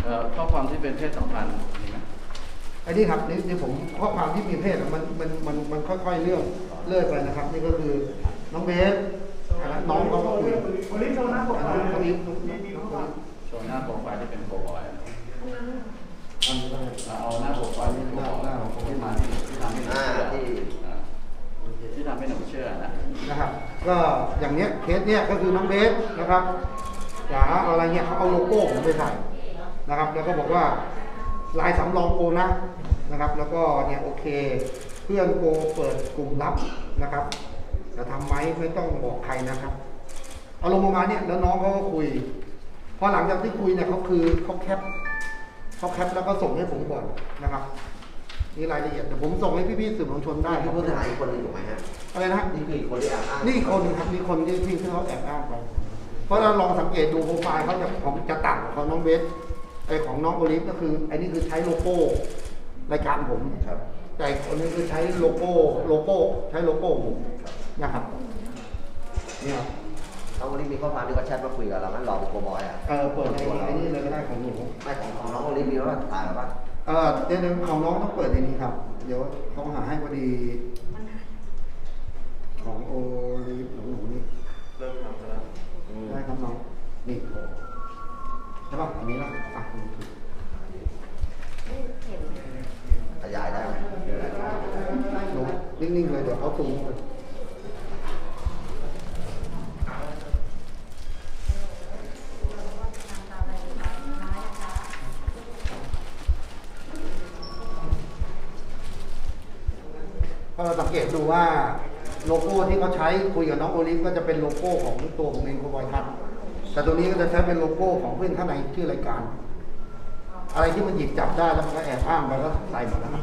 ข้อความที่เป็นเพศสัมพันธ์มีไหมไอ้นี่ครับนี่ผมข้อความที่มีเพศมันค่อยๆเลื่อยไปนะครับนี่ก็คือน้องเบสน้องเขาก็คุยคนนี้โชว์หน้าปกมาคนนี้โชว์หน้าโปรไฟล์ที่เป็นโปรบอยเอาหน้าโปรไฟล์ที่เป็นโปรบอยที่ทำให้หนูเชื่อที่ทำให้หนูเชื่อนะครับก็อย่างเนี้ยเคสเนี้ยก็คือน้องเบสนะครับจ๋าอะไรเงี้ยเขาเอาโลโก้ผมไปใส่นะครับแล้วก็บอกว่าลายสำรองโกนะครับแล้วก็เนี่ยโอเคเพื่อนโกเปิดกลุ่มลับนะครับจะทำไหมไม่ต้องบอกใครนะครับเอาลงมาเนี่ยแล้วน้องเขาก็คุยพอหลังจากที่คุยเนี่ยเขาแคปแล้วก็ส่งให้ผมก่อนนะครับนี่รายละเอียดแต่ผมส่งให้พี่ๆสื่อมวลชนได้ที่ผู้เสียหายอีกคนหนึ่งถูกไหมฮะอะไรนะนี่คือคนที่แอบอ้างนี่คนครับมีคนที่เขาแอบอ้างไปเพราะเราลองสังเกตดูโปรไฟล์เขาจะต่างของน้องเบสไอของน้องโอลิฟก็คือไอ้นี่คือใช้โลโก้รายการผมแต่คนนี้คือใช้โลโก้ใช้โลโก้ผมนะครับเนี่ยน้องโอลิฟมีข้อความที่เขาแชทมาคุยกับเรางั้นรอเป็นโกบอยอ่ะเปิดไอ้นี่เลยก็ได้ของหนูไม่ของน้องโอลิฟมีว่าถ่ายหรือเปล่าเดี๋ยวของน้องต้องเปิดในนี้ครับเดี๋ยวเขาหาให้พอดีของโอลิฟหนูนี่เริ่มทำแล้วได้ครับน้องนี่ใช่ป่ะอันนี้ละขยายได้ไหมหนูนิ่งๆเลยเดี๋ยวเขาซูมไปพอเราสังเกตดูว่าโลโก้ที่เขาใช้คุยกับน้องโอลิฟก็จะเป็นโลโก้ของตัวผมเองโคบอยคัทแต่ตัวนี้ก็จะใช้เป็นโลโก้ของเพื่อนข้างในชื่อรายการอะไรที่มันหยิบจับได้แล้วมันก็แอบอ้างไปก็ใส่หมดแล้ว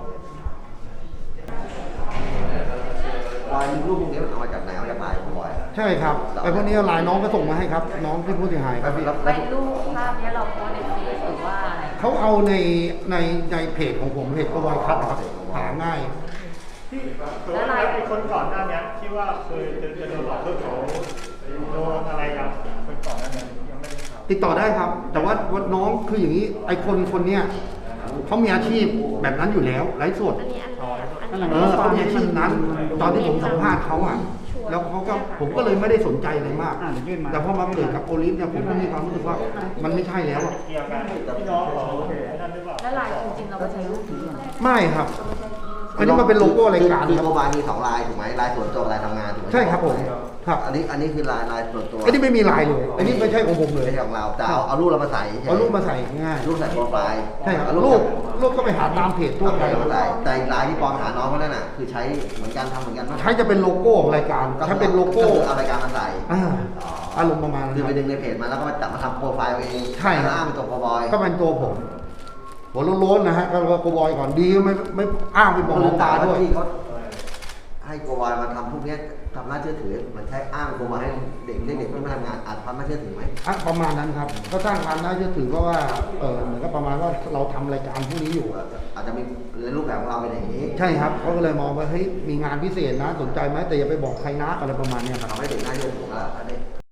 ลายรูปพวกนี้มันเอามาจากไหนเอาจากลายโกบอยใช่ครับไอ้พวกนี้ลายน้องก็ส่งมาให้ครับน้องที่ผู้เสียหายครับพี่ไอ้รูปภาพนี้เราโพสในเฟซหรือว่าเขาเอาในเพจของผมเพจโคบอยคัทครับหาง่ายที่แล้วไอ้คนก่อนหน้านี้ที่ว่าเคยจะโดนหลอกเรื่องเขาโดนอะไรครับคนก่อนหน้านี้ยังไม่ได้ข่าวติดต่อได้ครับแต่ว่าน้องคืออย่างนี้ไอ้คนเนี้ยเขามีอาชีพแบบนั้นอยู่แล้วไร้สดเขามีอาชีพนั้นตอนที่ผมสัมภาษณ์เขาอ่ะแล้วผมก็เลยไม่ได้สนใจอะไรมากแต่พอมาเกิดกับโอลิฟเนี่ยผมก็มีความรู้สึกว่ามันไม่ใช่แล้วเกี่ยวกันพี่น้องของนั่นหรือเปล่าแล้วลายจริงๆเราก็ใช้รูปนี้ไม่ครับอันนี้มันเป็นโลโก้รายการคือโกบอยมี2ลายถูกไหมลายส่วนตัวลายทำงานถูกไหมใช่ครับผมครับอันนี้คือลายส่วนตัวอันนี้ไม่มีลายเลยอันนี้ไม่ใช่ของผมเลยไม่ใช่ของเราแต่เอารูปเรามาใส่เอารูปมาใส่ง่ายรูปใส่โปรไฟล์ใช่ครับรูปก็ไปหาตามเพจทั่วไปแต่ลายที่ปลอมหาน้องเขาเนี่ยน่ะคือใช้เหมือนกันทำเหมือนกันใช้จะเป็นโลโก้ของรายการใช้เป็นโลโก้เอารายการมาใส่อารมณ์ประมาณคือไปดึงในเพจมาแล้วก็มาจับมาทำโปรไฟล์เองใช่อ้างเป็นตัวโกบอยก็เป็นตัวผมหัวโล้นๆนะฮะก็โกบอยก่อนดีไม่อ้างเป็นบอกหลวงตาด้วยที่เขาให้โกบอยมาทำพวกนี้ทำน่าเชื่อถือมันใช้อ้างโกบอยให้เด็กเพื่อนมาทำงานอาจความน่าเชื่อถือไหมประมาณนั้นครับก็สร้างความน่าเชื่อถือเพราะว่าเหมือนกับประมาณว่าเราทำรายการพวกนี้อยู่อาจจะมีในรูปแบบของเราเป็นอย่างนี้ใช่ครับเขาก็เลยมองว่าเฮ้ยมีงานพิเศษนะสนใจไหมแต่อย่าไปบอกใครนะอะไรประมาณนี้ครับทำให้เด็กน่าเชื่อถือแล้ว